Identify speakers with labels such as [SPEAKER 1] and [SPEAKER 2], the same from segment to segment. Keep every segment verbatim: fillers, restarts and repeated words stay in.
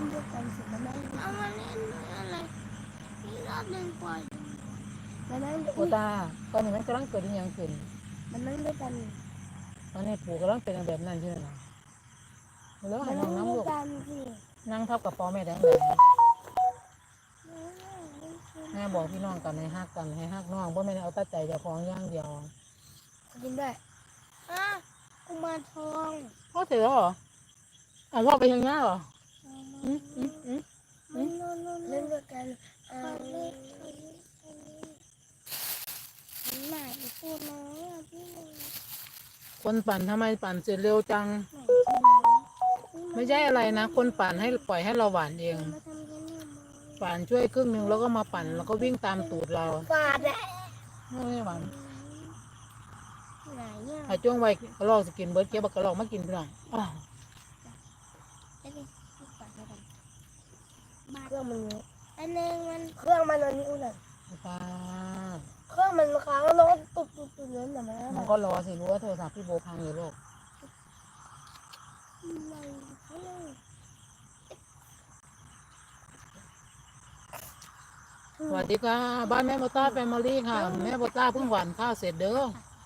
[SPEAKER 1] นด้วยกันสิมานั่งเอามาเล่นอะไรนี่รอบหนึ่งปล่อยมานั่ง
[SPEAKER 2] โอตาตอนนี้มันกำลังเกิดยังขึ้น
[SPEAKER 1] มันนั่งด้วยกัน
[SPEAKER 2] ตอนนี้ปู่กำลังเป็นแบบนั้นใช่ไหมแล้วให้น้องน้ำลูกนั่งทับกับปอแม่แดงแดงแม่บอกพี่น้องกันให้ฮักกันให้ฮักน้องเพราะแม่เอาตั้งใจจะฟ้องย่างเดียว
[SPEAKER 1] กินได้อ่ะกุมารทอง
[SPEAKER 2] พ่อเสร็จแล้วเหรออ๋อพ่อไปยังไงเหรออืมอืมอืม
[SPEAKER 1] เล่นด้วยกันอ่าไหนพูดน้อยอ่ะพี่
[SPEAKER 2] คนปั่นทำไมปั่นเสร็จเร็วจังไม่ใช่อะไรนะคนปั่นให้ปล่อยให้เราหวานเองปั่นช่วยครึ่งหนึ่งแล้วก็มาปั่นแล้วก็วิ่งตามตูดเรา
[SPEAKER 1] ฟาดแหละ
[SPEAKER 2] ไม่หวาน
[SPEAKER 1] ไหนเนี่ย
[SPEAKER 2] ถ้าจ้วงไว้กระรอกสกินเบิร์ดเก็บกระรอกมากินพี่น้อง
[SPEAKER 1] เครื่องมันเยอะอันนึงมันเครื่องมันอันนี้อุ่นอ่ะ
[SPEAKER 2] ป้า
[SPEAKER 1] เครื่องมันค้างแล้วตุบตุบตุบเลยแต่มัน
[SPEAKER 2] มันก็รอสิรู้ว่าโทรศัพท์พี่โบพังอยู่โลกสวัสดีค่ะบ้านแม่โบต้าแฟมิลี่ค่ะแม่โบต้าเพิ่งหวานข้าวเสร็จเด้อ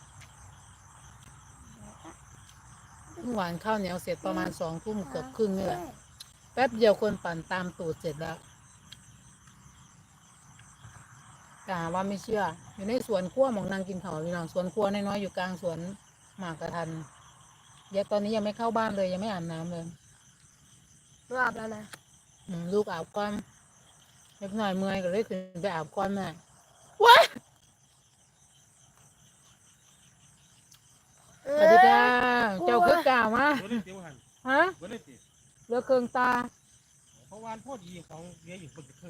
[SPEAKER 2] เพิ่งหวานข้าวเหนียวเสร็จประมาณสองทุ่มเกือบครึ่งนี่แหละแป๊บเดียวคนปั่นตามตูดเสร็จแล้วแต่ว่าไม่เชื่ออยู่ในสวนขั้วหมองนางกินข้าวพี่น้องสวนขั้วน้อยๆอยู่กลางสวนหมากกระทันเดี๋ยวตอนนี้ยังไม่เข้าบ้านเลยยังไม่อาบน้ำเลย
[SPEAKER 1] ลูกอาบแล้วนะ
[SPEAKER 2] ลูกอาบก่อนเล็กหน่อยเมื่อยก็เลยขึ้นไปอาบก่อนแม่ว้าสวัสดีค่ะเจ้าคือกล่าวมาฮะเลือกเครื่องตา
[SPEAKER 3] เพราะวานพ่อดีของเลี้ยอยู่บนเครื่อง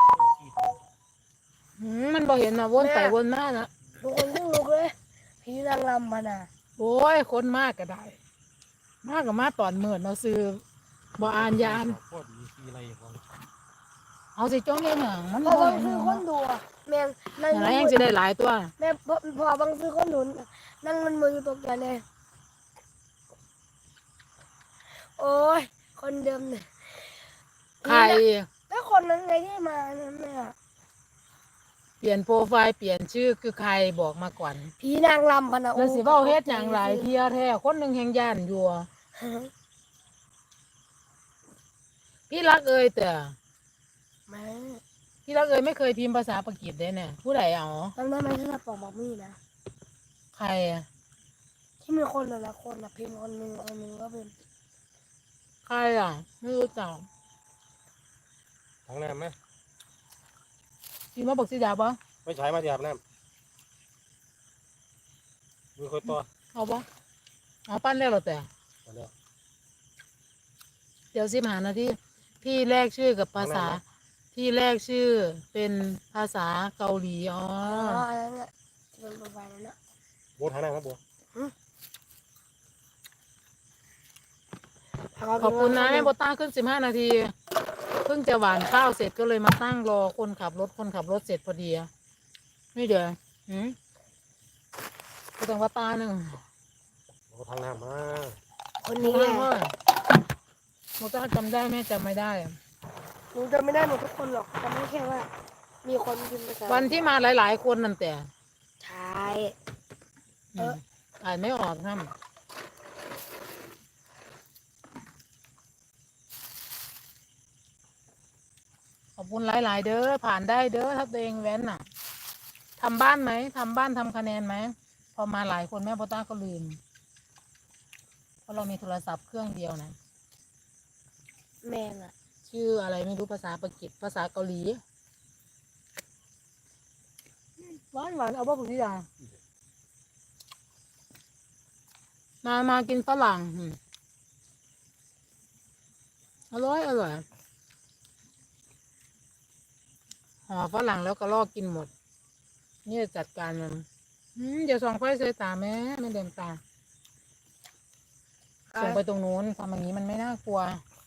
[SPEAKER 2] มันบ่เห็นนะวนไปวนมานะ
[SPEAKER 1] ทุกคนยิ่งลุกเลยพี่นางรำมาน่ะ
[SPEAKER 2] โอ้ยคนมากก็ได้มากกับมาตอนเมื่อเราซื้อบ่อ่านยาน
[SPEAKER 3] พ่อดีสีอะไรอย่าง
[SPEAKER 2] เอาสิจ้องยังหนังมัน
[SPEAKER 1] พอบางซื้อคนดูแม่ง
[SPEAKER 2] นั่งยังจะได้หลายตัว
[SPEAKER 1] แม่พอพอบางซื้อคนหนุนนั่งมันมือตกกันเลยโอ้ยคนเดิมเนี่ย
[SPEAKER 2] ใคร
[SPEAKER 1] แล้วคนนั้นไงที่มาเนี่ยแม่
[SPEAKER 2] เปลี่ยนโปรไฟล์เปลี่ยนชื่อคือใครบอกมาก่อน
[SPEAKER 1] พี่นางรำพนะ
[SPEAKER 2] แล้วสิเว้าเฮ็ดอย่างไรเทียแท้คนหนึ่งแห่งย่านอยู่พี่รักเอ่ยแต่พี่รักเอ่ยไม่เคยพิมพ์ภาษาปากีสเลยเนี่ยผู้ใดเอา
[SPEAKER 1] จำได้ไหมที่เราปอกบอกมี่นะ
[SPEAKER 2] ใครอะ
[SPEAKER 1] ที่มีคนหลายคนนะพิมพ์คนหนึ่งคนหนึ่งก็เป็น
[SPEAKER 2] ใครอ่ะไม่รู้จัก
[SPEAKER 3] ทั้งน้ำไหม
[SPEAKER 2] พิมพ์มาบอกสิดาปะ
[SPEAKER 3] ไม่ใช่มาหยาบน้ำมือคนตัว
[SPEAKER 2] เอาปะเอาปั้นแล้วหรอแต่เดี๋ยวสิบหานาทีที่แรกชื่อกับภาษาที่แรกชื่อเป็นภาษาเกาหลีอ๋อ
[SPEAKER 1] อันนั้นน่ะเป็นประมาณนั้นนะ
[SPEAKER 3] โบทานั่งครับโบ
[SPEAKER 2] ขอบคุณนะแม่โบต้าขึ้นสิบห้านาทีเพิ่งจะหวานข้าวเสร็จก็เลยมาตั้งรอคนขับรถคนขับรถเสร็จพอดีไม่เดี๋ยวหืมก็ต้องว่าตาหนึ่ง
[SPEAKER 3] โบทางน้ำมา
[SPEAKER 1] คนนี้แหละ
[SPEAKER 2] โบต้าจำได้แม่จำไม่ได้
[SPEAKER 1] หนูจำไม่ได้หมดทุกคนหรอกจำไม่แค่ว่ามีคนพิมพ์ภาษา
[SPEAKER 2] วันที่มาหลายๆคนนั่นแต่
[SPEAKER 1] ใช่
[SPEAKER 2] เอออ่านไม่ออกครับขอบคุณหลายๆเด้อผ่านได้เด้อถ้าตัวเองแว้นน่ะทำบ้านไหมทำบ้านทำคะแนนไหมพอมาหลายคนแม่โบต้าก็ลืมเพราะเรามีโทรศัพท์เครื่องเดียวนะ
[SPEAKER 1] แม่น่ะ
[SPEAKER 2] ชื่ออะไรไม่รู้ภาษาปากีสภาษาเกาหลีหวานหวานเอาบ้าปุ๋ยดามามากินฝรั่งอร่อยอร่อยห่อฝรั่งแล้วก็ลอกกินหมดนี่จัดการมันเดี๋ยวส่องไฟใส่ตาแม่ไม่เดิมตาส่งไปตรงนู้นทำอย่างนี้มันไม่น่ากลัว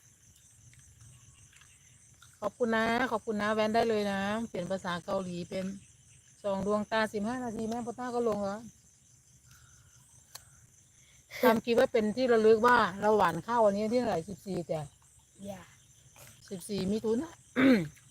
[SPEAKER 2] ขอบคุณนะขอบคุณนะแวนได้เลยนะเปลี่ยนภาษาเกาหลีเป็นสองดวงตาสิบห้านาทีแม่พ่อต้าก็ลงแล้วทำคิดว่าเป็นที่ระลึกว่าเราหวานข้าววันนี้ที่เท่าไหร่สิบสี่แต่สิบสี่มิถุนา